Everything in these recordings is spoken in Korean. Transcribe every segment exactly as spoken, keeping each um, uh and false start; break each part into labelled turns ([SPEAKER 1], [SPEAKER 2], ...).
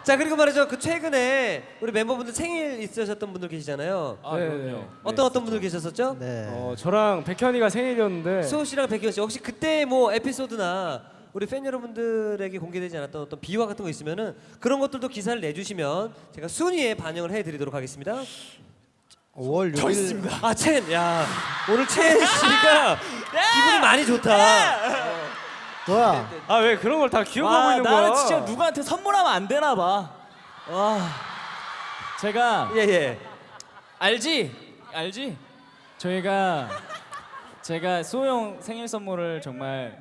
[SPEAKER 1] 자 그리고 말이죠. 그 최근에 우리 멤버분들 생일 있으셨던 분들 계시잖아요.
[SPEAKER 2] 아,
[SPEAKER 3] 네,
[SPEAKER 2] 그럼요.
[SPEAKER 3] 네.
[SPEAKER 1] 어떤 어떤 분들 계셨었죠?
[SPEAKER 4] 네.
[SPEAKER 3] 어, 저랑 백현이가 생일이었는데
[SPEAKER 1] 수호 씨랑 백현 씨 혹시 그때 뭐 에피소드나 우리 팬 여러분들에게 공개되지 않았던 어떤 비화 같은 거 있으면은 그런 것들도 기사를 내주시면 제가 순위에 반영을 해드리도록 하겠습니다.
[SPEAKER 4] 오월 육 일
[SPEAKER 1] 아 첸, 야 오늘 첸 씨가 기분이 많이 좋다.
[SPEAKER 4] 뭐야?
[SPEAKER 3] 아 왜 그런 걸 다 기억하고
[SPEAKER 2] 와,
[SPEAKER 3] 있는 거야?
[SPEAKER 2] 나는 진짜 누구한테 선물하면 안 되나 봐. 와, 제가
[SPEAKER 1] 예 예.
[SPEAKER 2] 알지? 알지? 저희가 제가 수호 형 생일 선물을 정말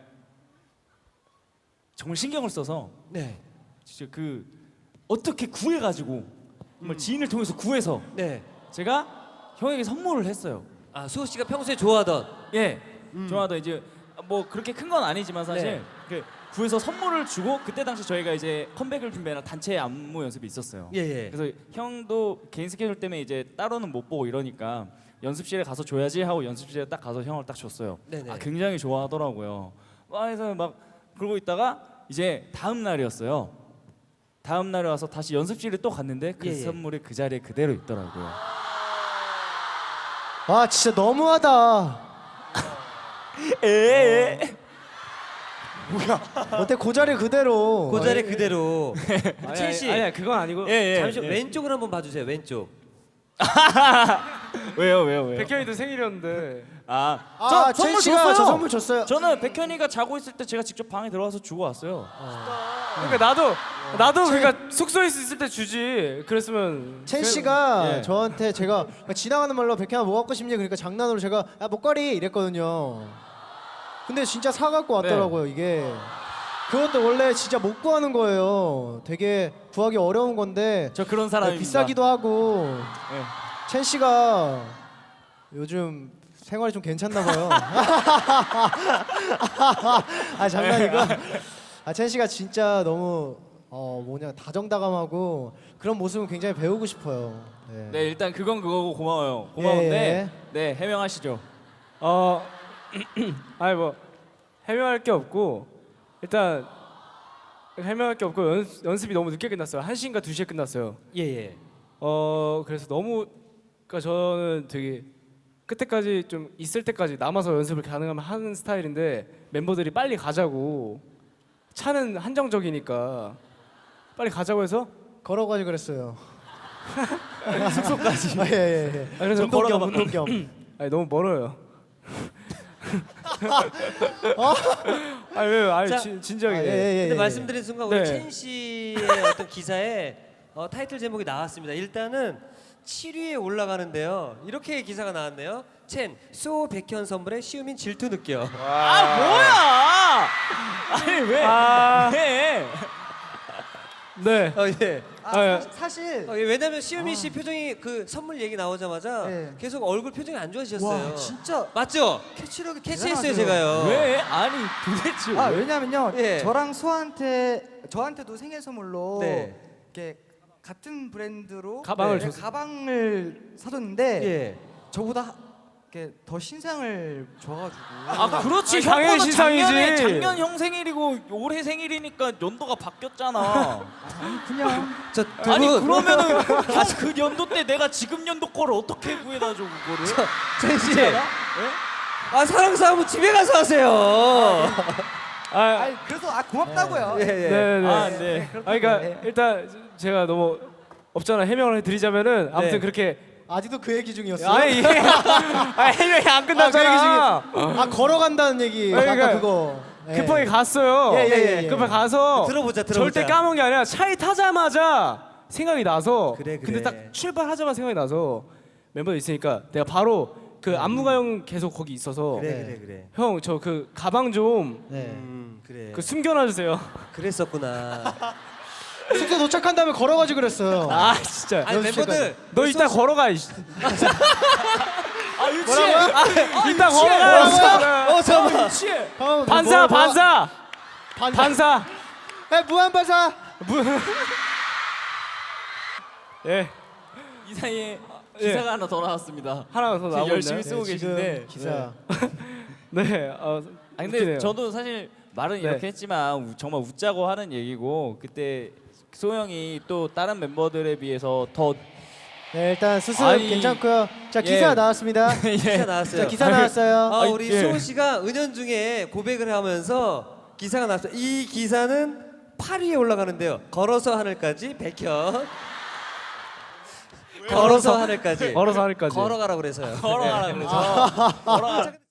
[SPEAKER 2] 정말 신경을 써서
[SPEAKER 1] 네.
[SPEAKER 2] 진짜 그 어떻게 구해가지고 정말 지인을 통해서 구해서
[SPEAKER 1] 네.
[SPEAKER 2] 제가 형에게 선물을 했어요.
[SPEAKER 1] 아 수호 씨가 평소에 좋아하던.
[SPEAKER 2] 예, 좋아하던 이제 뭐 그렇게 큰 건 아니지만 사실
[SPEAKER 1] 네.
[SPEAKER 2] 그 구해서 선물을 주고 그때 당시 저희가 이제 컴백을 준비하는 단체 안무 연습이 있었어요.
[SPEAKER 1] 예 예.
[SPEAKER 2] 그래서 형도 개인 스케줄 때문에 이제 따로는 못 보고 이러니까 연습실에 가서 줘야지 하고 연습실에 딱 가서 형을 딱 줬어요.
[SPEAKER 1] 네네.
[SPEAKER 2] 아 굉장히 좋아하더라고요. 막 해서 막 그러고 있다가 이제 다음 날이었어요. 다음 날에 와서 다시 연습실에 또 갔는데 그
[SPEAKER 1] 예, 예.
[SPEAKER 2] 선물이 그 자리에 그대로 있더라고요.
[SPEAKER 4] 와 진짜 너무하다.
[SPEAKER 2] 에
[SPEAKER 4] 어때 그 자리 그대로.
[SPEAKER 1] 그 자리 그대로.
[SPEAKER 3] 아니,
[SPEAKER 1] 첸 씨.
[SPEAKER 3] 아니, 아니 그건 아니고
[SPEAKER 2] 예, 예.
[SPEAKER 1] 잠시
[SPEAKER 2] 예.
[SPEAKER 1] 왼쪽을 한번 봐주세요. 왼쪽.
[SPEAKER 2] 왜요 왜요 왜요?
[SPEAKER 3] 백현이도 생일이었는데
[SPEAKER 2] 아,
[SPEAKER 4] 아,
[SPEAKER 2] 저
[SPEAKER 4] 첸
[SPEAKER 2] 선물
[SPEAKER 4] 씨가
[SPEAKER 2] 줬어요.
[SPEAKER 4] 저 선물 줬어요.
[SPEAKER 2] 저는 백현이가 자고 있을 때 제가 직접 방에 들어가서 주고 왔어요.
[SPEAKER 3] 그러니까 나도 나도 그러니까 숙소에 있을 때 주지 그랬으면
[SPEAKER 4] 첸
[SPEAKER 3] 그-
[SPEAKER 4] 씨가
[SPEAKER 2] 예.
[SPEAKER 4] 저한테 제가 지나가는 말로 백현아 뭐 갖고 싶니? 그러니까 장난으로 제가 야 목걸이 이랬거든요. 근데 진짜 사 갖고 왔더라고요 이게. 그것도 원래 진짜 못 구하는 거예요. 되게 구하기 어려운 건데
[SPEAKER 2] 저 그런 사람입니다.
[SPEAKER 4] 비싸기도 하고.
[SPEAKER 2] 예.
[SPEAKER 4] 첸 씨가 요즘 생활이 좀 괜찮나 봐요. 아 장난이고. 아 첸 씨가 진짜 너무 어 뭐냐 다정다감하고 그런 모습은 굉장히 배우고 싶어요. 네.
[SPEAKER 2] 네 일단 그건 그거고 고마워요. 고마운데
[SPEAKER 4] 예.
[SPEAKER 2] 네 해명하시죠.
[SPEAKER 3] 어 아니 뭐 해명할 게 없고 일단 해명할 게 없고 연습, 연습이 너무 늦게 끝났어요. 한 시인가 두 시에 끝났어요.
[SPEAKER 1] 예 예.
[SPEAKER 3] 어 그래서 너무 그러니까 저는 되게 끝에까지 좀 있을 때까지 남아서 연습을 가능하면 하는 스타일인데 멤버들이 빨리 가자고 차는 한정적이니까 빨리 가자고 해서
[SPEAKER 4] 걸어가지 그랬어요.
[SPEAKER 3] 숙소까지.
[SPEAKER 4] 아, 예, 예, 예.
[SPEAKER 3] 아, 그래서
[SPEAKER 4] 운동 겸
[SPEAKER 3] 걸어가-
[SPEAKER 4] 운동 겸.
[SPEAKER 3] 아니 너무 멀어요. 아니 왜? 아니
[SPEAKER 1] 자,
[SPEAKER 3] 진, 진지하게.
[SPEAKER 4] 아, 예, 예, 예,
[SPEAKER 1] 근데
[SPEAKER 4] 예.
[SPEAKER 1] 말씀드린 순간 우리
[SPEAKER 3] 네.
[SPEAKER 1] 첸 씨의 어떤 기사에 어, 타이틀 제목이 나왔습니다. 일단은 칠 위에 올라가는데요. 이렇게 기사가 나왔네요. 첸, 수호 백현 선물에 시우민 질투 느껴.
[SPEAKER 2] 아 뭐야? 아니 왜?
[SPEAKER 3] 아.
[SPEAKER 2] 왜?
[SPEAKER 3] 네.
[SPEAKER 1] 어, 예.
[SPEAKER 3] 아, 예.
[SPEAKER 4] 사실
[SPEAKER 1] 어, 예, 왜냐면 시우민 씨 표정이 그 선물 얘기 나오자마자
[SPEAKER 4] 네.
[SPEAKER 1] 계속 얼굴 표정이 안 좋아지셨어요.
[SPEAKER 5] 와 진짜
[SPEAKER 1] 맞죠?
[SPEAKER 5] 캐치력이
[SPEAKER 1] 캐치했어요
[SPEAKER 5] 대단하세요.
[SPEAKER 1] 제가요.
[SPEAKER 2] 왜? 아니 도대체
[SPEAKER 5] 아
[SPEAKER 2] 왜?
[SPEAKER 5] 왜냐면요
[SPEAKER 1] 예.
[SPEAKER 5] 저랑 수아한테 저한테도 생일 선물로
[SPEAKER 1] 네.
[SPEAKER 5] 이렇게 같은 브랜드로
[SPEAKER 3] 가방을
[SPEAKER 5] 네,
[SPEAKER 3] 줬어요.
[SPEAKER 5] 가방을 사줬는데
[SPEAKER 1] 예.
[SPEAKER 5] 저보다 이렇게 더 신상을 줘가지고
[SPEAKER 2] 아 그렇지
[SPEAKER 3] 아니, 당연히
[SPEAKER 2] 형보다
[SPEAKER 3] 신상이지.
[SPEAKER 2] 작년에 작년 형 생일이고 올해 생일이니까 연도가 바뀌었잖아.
[SPEAKER 5] 그냥
[SPEAKER 1] 저두
[SPEAKER 2] 아니
[SPEAKER 1] 분,
[SPEAKER 2] 그러면은 아, 그 연도 때 내가 지금 연도 거를 어떻게 구해다 줘 그거를?
[SPEAKER 1] 첸 씨.
[SPEAKER 2] 예?
[SPEAKER 1] 아 사랑 싸움은 집에 가서 하세요.
[SPEAKER 3] 아,
[SPEAKER 5] 아니 그래서 아 고맙다고요.
[SPEAKER 1] 예, 예.
[SPEAKER 3] 네네.
[SPEAKER 2] 아 네.
[SPEAKER 3] 아 그러니까 일단 제가 너무 없잖아 해명을 해드리자면은 아무튼
[SPEAKER 1] 네.
[SPEAKER 3] 그렇게
[SPEAKER 4] 아직도 그 얘기 중이었어요.
[SPEAKER 3] 아니 이게 아 해명이 안
[SPEAKER 4] 아, 그 얘기
[SPEAKER 3] 끝났잖아.
[SPEAKER 4] 중에 아 걸어간다는 얘기.
[SPEAKER 3] 아니,
[SPEAKER 4] 아까
[SPEAKER 3] 그러니까
[SPEAKER 4] 그거. 예.
[SPEAKER 3] 급하게 갔어요.
[SPEAKER 4] 예, 예, 예.
[SPEAKER 3] 급하게 가서
[SPEAKER 1] 들어보자, 들어보자.
[SPEAKER 3] 절대 까먹은 게 아니라 차에 타자마자 생각이 나서
[SPEAKER 1] 그래, 그래.
[SPEAKER 3] 근데 딱 출발하자마자 생각이 나서 멤버들 있으니까 내가 바로 그 안무가형 계속 거기 있어서
[SPEAKER 1] 그래
[SPEAKER 4] 네.
[SPEAKER 1] 그래 그래.
[SPEAKER 3] 형 저 그 가방 좀 그
[SPEAKER 4] 네.
[SPEAKER 1] 음 그래.
[SPEAKER 3] 숨겨놔 주세요.
[SPEAKER 1] 그랬었구나.
[SPEAKER 4] 숙소 도착한 다음에 걸어가지 그랬어요.
[SPEAKER 3] 아 진짜.
[SPEAKER 1] 아니 멤버들
[SPEAKER 3] 너 이따 걸어가. 이씨.
[SPEAKER 2] 아 유치해.
[SPEAKER 3] 아, 이따 걸어가.
[SPEAKER 1] 어 잠깐만.
[SPEAKER 2] 유치해.
[SPEAKER 4] 어,
[SPEAKER 3] 반사
[SPEAKER 4] 뭐, 뭐,
[SPEAKER 3] 반사
[SPEAKER 4] 반사.
[SPEAKER 3] 반사.
[SPEAKER 4] 에 무한 반사.
[SPEAKER 3] 예
[SPEAKER 2] 이 사이에
[SPEAKER 3] 예.
[SPEAKER 2] 기사가 하나 더 나왔습니다.
[SPEAKER 3] 하나 더 나오고
[SPEAKER 2] 열심히
[SPEAKER 3] 있나요?
[SPEAKER 2] 쓰고
[SPEAKER 4] 네, 지금
[SPEAKER 2] 계신데.
[SPEAKER 4] 기사.
[SPEAKER 3] 네. 어,
[SPEAKER 2] 아 근데
[SPEAKER 3] 웃기네요.
[SPEAKER 2] 저도 사실 말은
[SPEAKER 3] 네.
[SPEAKER 2] 이렇게 했지만 우- 정말 웃자고 하는 얘기고 그때 소영이 또 다른 멤버들에 비해서 더
[SPEAKER 4] 네, 일단 수습
[SPEAKER 2] 아니,
[SPEAKER 4] 괜찮고요. 자, 기사
[SPEAKER 2] 예.
[SPEAKER 4] 나왔습니다.
[SPEAKER 1] 기사 나왔어요.
[SPEAKER 4] 자, 기사 나왔어요.
[SPEAKER 1] 아, 우리
[SPEAKER 2] 예.
[SPEAKER 1] 수호 씨가 은연중에 고백을 하면서 기사가 나왔어요. 이 기사는 팔 위에 올라가는데요. 걸어서 하늘까지 백현. 걸어서 하늘까지.
[SPEAKER 3] 걸어서 하늘까지.
[SPEAKER 1] 걸어가라 그래서요.
[SPEAKER 2] 걸어가라 그래서 걸어가.